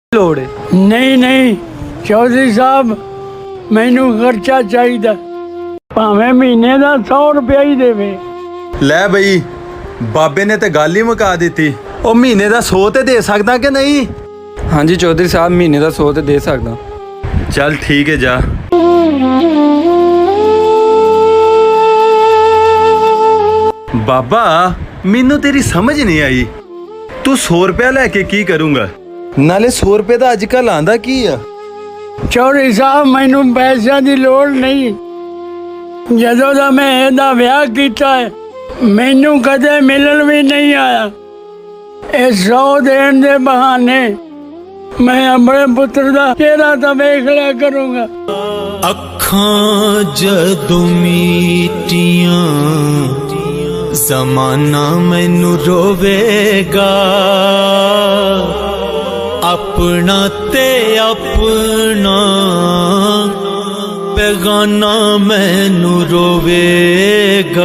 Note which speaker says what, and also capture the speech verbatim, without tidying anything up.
Speaker 1: ਲੋੜ ਹੈ।
Speaker 2: नहीं नहीं चौधरी साहब मैनू खर्चा चाहिए भावें महीने का सौ रुपया ही देवे।
Speaker 1: ਲੈ ਬਈ ਬਾਬੇ ਨੇ ਤੇ ਗੱਲ ਹੀ ਮੁਕਾ ਦਿੱਤੀ। ਉਹ ਮਹੀਨੇ ਦਾ ਸੌ ਤੇ ਦੇ ਸਕਦਾ ਕਿ ਨਹੀਂ?
Speaker 3: ਹਾਂਜੀ ਚੌਧਰੀ ਸਾਹਿਬ ਮਹੀਨੇ ਦਾ ਸੌ ਤੇ ਦੇ ਸਕਦਾ।
Speaker 1: ਚੱਲ ਠੀਕ ਹੈ ਜਾ। ਬਾਬਾ ਮੈਨੂੰ ਤੇਰੀ ਸਮਝ ਨਹੀਂ ਆਈ, ਤੂੰ ਸੌ ਰੁਪਇਆ ਲੈ ਕੇ ਕੀ ਕਰੂੰਗਾ? ਨਾਲੇ ਸੌ ਰੁਪਏ ਦਾ ਅੱਜ ਕੱਲ ਆਂਦਾ ਕੀ ਆ?
Speaker 2: चौधरी साहब मैनू पैसों की लोड़ नहीं। जदों दा मैं इहदा विआह कीता है मैनू कदे मिलन भी नहीं आया। ये सौ देण दे बहाने मैं अपने पुत्र दा चेहरा तो वेख लिया करूंगा।
Speaker 4: अखां जदों मीटियां ज़माना मैनू रोवेगा, अपना ते अपना बेगाना मैनू रोवेगा।